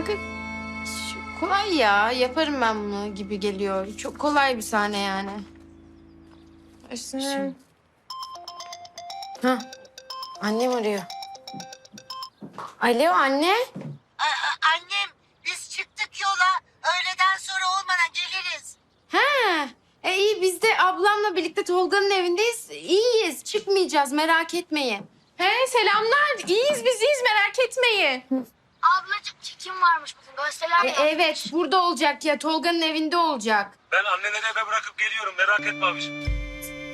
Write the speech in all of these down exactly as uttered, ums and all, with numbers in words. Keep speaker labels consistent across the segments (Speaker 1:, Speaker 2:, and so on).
Speaker 1: Kanka şu- kolay ya. Yaparım ben bunu gibi geliyor. Çok kolay bir sahne yani.
Speaker 2: Üstüne...
Speaker 1: Ha. Annem arıyor. Alo anne.
Speaker 3: A- a- annem biz çıktık yola. Öğleden sonra olmadan geliriz.
Speaker 1: Ha. E iyi biz de ablamla birlikte Tolga'nın evindeyiz. İyiyiz. Çıkmayacağız merak etmeyin.
Speaker 2: He selamlar. İyiyiz biz iyiyiz merak etmeyin.
Speaker 4: Ablacığım çekim varmış bugün gösteriler
Speaker 1: E,
Speaker 4: mi?
Speaker 1: evet burada olacak ya. Tolga'nın evinde olacak.
Speaker 5: Ben anneleri eve bırakıp geliyorum. Merak etme abiciğim.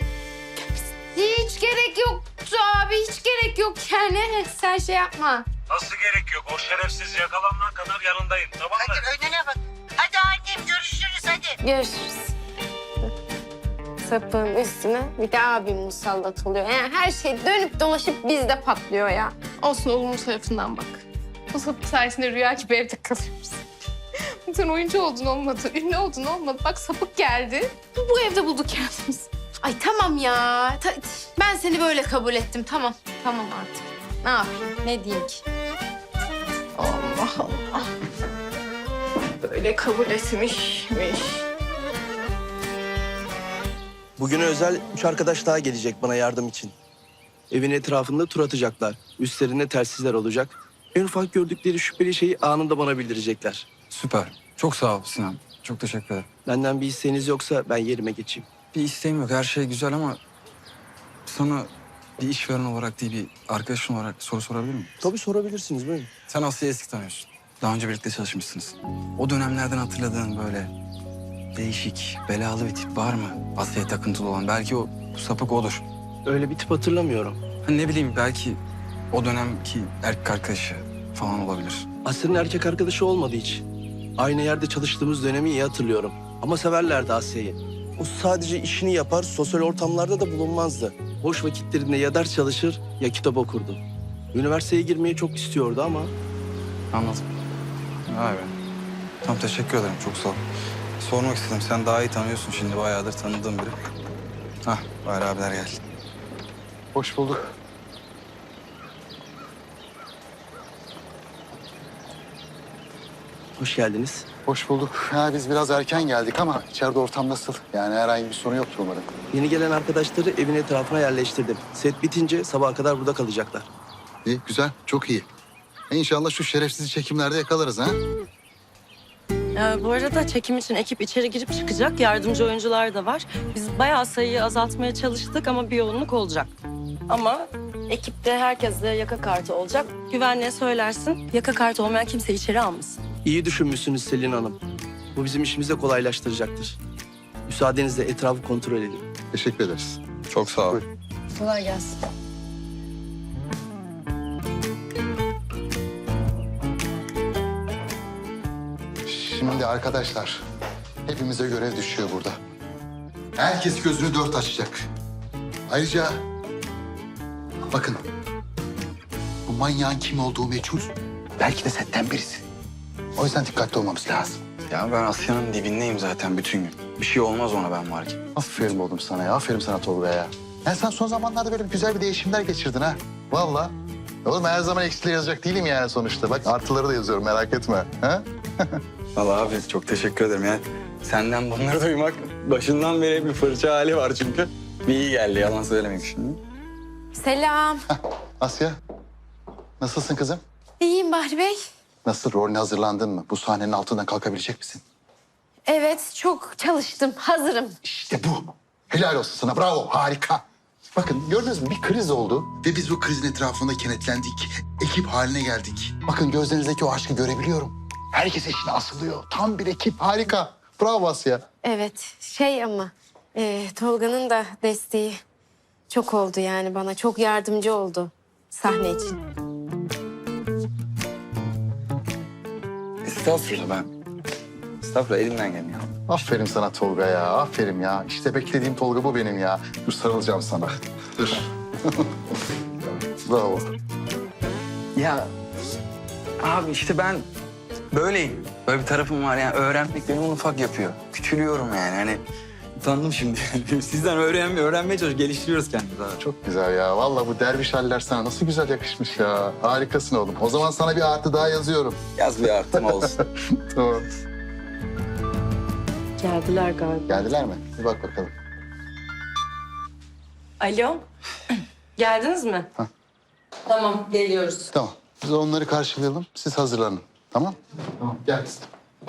Speaker 1: Hiç gerek yoktu abi. Hiç gerek yok yani. Sen şey yapma.
Speaker 5: Nasıl gerek yok? O şerefsiz yakalanana kadar yanındayım. Tamam mı?
Speaker 3: Hadi önüne bak. Hadi annem görüşürüz hadi.
Speaker 1: Görüşürüz. Sapın üstüne bir de abim musallat oluyor. Yani her şey dönüp dolaşıp bizde patlıyor ya.
Speaker 2: Olsun olumlu tarafından bak. Bu sapık sayesinde rüya gibi evde kalıyoruz. Sen oyuncu oldun olmadı, ünlü oldun olmadı. Bak sapık geldi. Bu evde bulduk kendimizi.
Speaker 1: Ay tamam ya. Ta- ben seni böyle kabul ettim. Tamam. Tamam artık. Ne yapayım? Ne diyeyim ki?
Speaker 2: Allah Allah. Böyle kabul etmişmiş.
Speaker 6: Bugüne özel üç arkadaş daha gelecek bana yardım için. Evin etrafında tur atacaklar. Üstlerinde telsizler olacak. En ufak gördükleri şüpheli şeyi anında bana bildirecekler.
Speaker 7: Süper. Çok sağ ol Sinan. Çok teşekkür ederim.
Speaker 6: Benden bir isteğiniz yoksa ben yerime geçeyim.
Speaker 7: Bir isteğim yok. Her şey güzel ama sana bir işveren olarak değil bir arkadaşın olarak soru sorabilir miyim?
Speaker 6: Tabii sorabilirsiniz buyurun.
Speaker 7: Sen Asya'yı eski tanıyorsun. Daha önce birlikte çalışmışsınız. O dönemlerden hatırladığın böyle değişik, belalı bir tip var mı? Asya'ya takıntılı olan. Belki o bu sapık odur.
Speaker 6: Öyle bir tip hatırlamıyorum.
Speaker 7: Hani ne bileyim belki o dönemki erkek arkadaşı falan olabilir.
Speaker 6: Asya'nın erkek arkadaşı olmadı hiç. Aynı yerde çalıştığımız dönemi iyi hatırlıyorum. Ama severlerdi Asya'yı. O sadece işini yapar, sosyal ortamlarda da bulunmazdı. Boş vakitlerinde ya ders çalışır ya kitap okurdu. Üniversiteye girmeyi çok istiyordu ama
Speaker 7: Anladım. Vay be. Tamam teşekkür ederim. Çok sağ ol. Sormak istedim. Sen daha iyi tanıyorsun şimdi. Bayağıdır tanıdığım biri. Hah, Bahri abiler geldi.
Speaker 8: Hoş bulduk.
Speaker 6: hoş geldiniz.
Speaker 8: Hoş bulduk. Ha, biz biraz erken geldik ama içeride ortam nasıl? Yani herhangi bir sorun yoktur umarım.
Speaker 6: Yeni gelen arkadaşları evin etrafına yerleştirdim. Set bitince sabaha kadar burada kalacaklar.
Speaker 8: İyi, güzel. Çok iyi. E İnşallah şu şerefsizi çekimlerde yakalarız ha?
Speaker 9: Ee, bu arada çekim için ekip içeri girip çıkacak. Yardımcı oyuncular da var. Biz bayağı sayıyı azaltmaya çalıştık ama bir yoğunluk olacak. Ama ekipte herkeste yaka kartı olacak. Güvenliğe söylersin. Yaka kartı olmayan kimse içeri almasın.
Speaker 6: İyi düşünmüşsünüz Selin Hanım. Bu bizim işimizi de kolaylaştıracaktır. Müsaadenizle etrafı kontrol edin.
Speaker 8: Teşekkür ederiz.
Speaker 7: Çok sağ ol.
Speaker 8: Buyur.
Speaker 9: Kolay gelsin.
Speaker 8: Şimdi arkadaşlar, hepimize görev düşüyor burada. Herkes gözünü dört açacak. Ayrıca bakın, bu manyağın kim olduğu meçhul. Belki de setten birisi. O yüzden dikkatli olmamız lazım.
Speaker 7: Ya ben Asya'nın dibindeyim zaten bütün gün. Bir şey olmaz ona ben varken.
Speaker 8: Aferin oğlum sana ya. Aferin sana Tolga ya. Ya sen son zamanlarda böyle güzel bir değişimler geçirdin ha. Vallahi. Oğlum her zaman eksileri yazacak değilim yani sonuçta. Bak artıları da yazıyorum merak etme. Ha?
Speaker 7: Vallahi abi çok teşekkür ederim ya. Senden bunları duymak başından beri bir fırça hali var çünkü. Bir iyi geldi yalan söylemeyeyim şimdi.
Speaker 1: Selam.
Speaker 8: Asya. Nasılsın kızım?
Speaker 1: İyiyim Bahri Bey.
Speaker 8: Nasıl rolüne hazırlandın mı? Bu sahnenin altından kalkabilecek misin?
Speaker 1: Evet çok çalıştım. Hazırım.
Speaker 8: İşte bu. Helal olsun sana. Bravo. Harika. Bakın gördünüz mü? Bir kriz oldu. Ve biz bu krizin etrafında kenetlendik. Ekip haline geldik. Bakın gözlerinizdeki o aşkı görebiliyorum. Herkes eşine asılıyor. Tam bir ekip. Harika. Bravo Asya.
Speaker 1: Evet şey ama e, Tolga'nın da desteği çok oldu yani bana. Çok yardımcı oldu sahne için.
Speaker 7: Estağfurullah ben. Estağfurullah elimden geliyor.
Speaker 8: Aferin sana Tolga ya. Aferin ya. İşte beklediğim Tolga bu benim ya. Dur sarılacağım sana. Dur. Bravo.
Speaker 7: Ya abi işte ben böyleyim. Böyle bir tarafım var yani öğrenmek beni ufak yapıyor. Küçülüyorum yani hani Utandım şimdi. Sizden öğrenmeye, öğrenmeye çalışıyoruz, geliştiriyoruz kendimizi abi.
Speaker 8: Çok güzel ya. Vallahi bu derviş haller sana nasıl güzel yakışmış ya. Harikasın oğlum. O zaman sana bir artı daha yazıyorum.
Speaker 7: Yaz bir artım olsun.
Speaker 8: Tamam.
Speaker 9: Geldiler galiba.
Speaker 8: Geldiler mi? Bir bak bakalım.
Speaker 9: Alo. Geldiniz mi?
Speaker 8: Hah.
Speaker 9: Tamam, geliyoruz.
Speaker 8: Tamam. Biz onları karşılayalım. Siz hazırlanın. Tamam? Tamam. Gel kızım.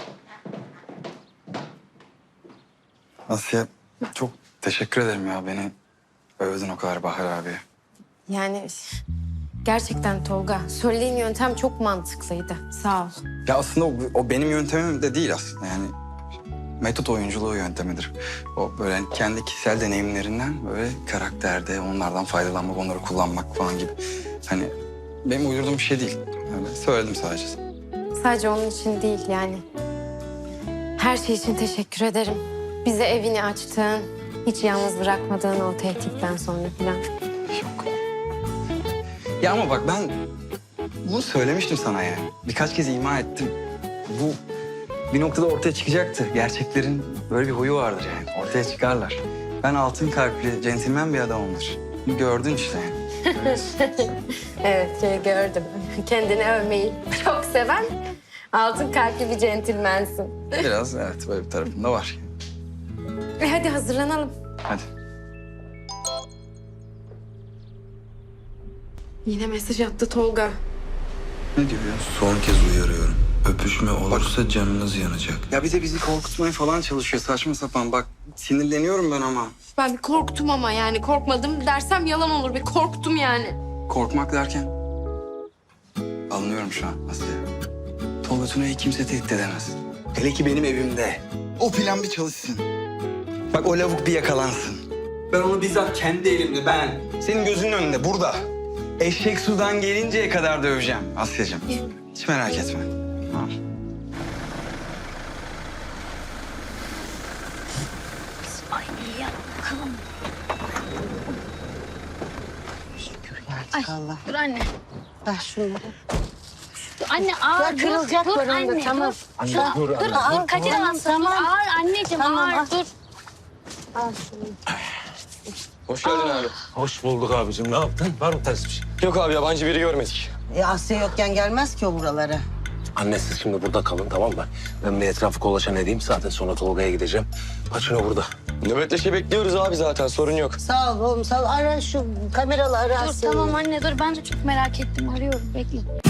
Speaker 7: Asya çok teşekkür ederim ya. Beni övdün o kadar Bahar abi.
Speaker 1: Yani gerçekten Tolga, söylediğin yöntem çok mantıklıydı. Sağ ol.
Speaker 7: Ya aslında o, o benim yöntemim de değil aslında yani. Metot oyunculuğu yöntemidir. O böyle hani kendi kişisel deneyimlerinden böyle karakterde onlardan faydalanmak, onları kullanmak falan gibi. Hani benim uydurduğum bir şey değil. Öyle söyledim sadece.
Speaker 1: Sadece onun için değil yani. Her şey için teşekkür ederim. Bize evini açtığın, hiç yalnız bırakmadığın o tehditten sonra falan.
Speaker 7: Yok. Ya ama bak ben bunu söylemiştim sana yani. Birkaç kez ima ettim. Bu bir noktada ortaya çıkacaktı. Gerçeklerin böyle bir huyu vardır yani. Ortaya çıkarlar. Ben altın kalpli, centilmen bir adamımdır. Gördün işte yani.
Speaker 1: Evet, şey gördüm. Kendini övmeyi çok seven, altın kalpli bir centilmensin.
Speaker 7: Biraz evet böyle bir tarafında var.
Speaker 1: E hadi hazırlanalım.
Speaker 7: Hadi.
Speaker 1: Yine mesaj attı Tolga.
Speaker 7: Ne diyor ya?
Speaker 10: Son kez uyarıyorum. Öpüşme olursa canınız yanacak.
Speaker 7: Ya bir de bizi korkutmaya falan çalışıyor saçma sapan. Bak sinirleniyorum ben ama.
Speaker 2: Ben bir korktum ama yani korkmadım dersem yalan olur. Bir korktum yani.
Speaker 7: Korkmak derken? Alınıyorum şu an Asya. Tolga Tuna'yı kimse tehdit edemez. Hele ki benim evimde. O plan bir çalışsın. Bak o lavuk bir yakalansın. Ben onu bizzat kendi elimle ben. Senin gözünün önünde burada. Eşek sudan gelinceye kadar döveceğim Asya'cığım. Hiç merak etme. Tamam.
Speaker 4: Ay iyi ya bakalım. Ay dur anne.
Speaker 3: Ver şunu.
Speaker 4: Dur anne ağır
Speaker 3: Ya
Speaker 4: dur.
Speaker 3: kırılacak
Speaker 4: Dur
Speaker 3: var onda,
Speaker 4: anne
Speaker 3: tamam.
Speaker 4: dur. Şuna- dur. Dur Kadir
Speaker 3: Tamam,
Speaker 4: alsın.
Speaker 3: tamam.
Speaker 4: Ağır anneciğim
Speaker 3: Tamam, al.
Speaker 4: ağır dur.
Speaker 3: Al şunu.
Speaker 5: Hoş geldin abi. Hoş bulduk abicim. Ne yaptın? Var mı ters bir şey?
Speaker 11: Yok abi yabancı biri görmedik.
Speaker 3: E, Asya yokken gelmez ki o buralara.
Speaker 5: Anne siz şimdi burada kalın tamam mı? Ben bir etrafı kolaçan edeyim. Zaten sonra Tolga'ya gideceğim. Paçino burada.
Speaker 11: Nöbetleşe bekliyoruz abi zaten sorun yok.
Speaker 3: Sağ ol oğlum sağ ol. Ara şu kameralı ara
Speaker 4: Dur
Speaker 3: Asya'yı.
Speaker 4: tamam anne dur ben de çok merak ettim arıyorum bekle.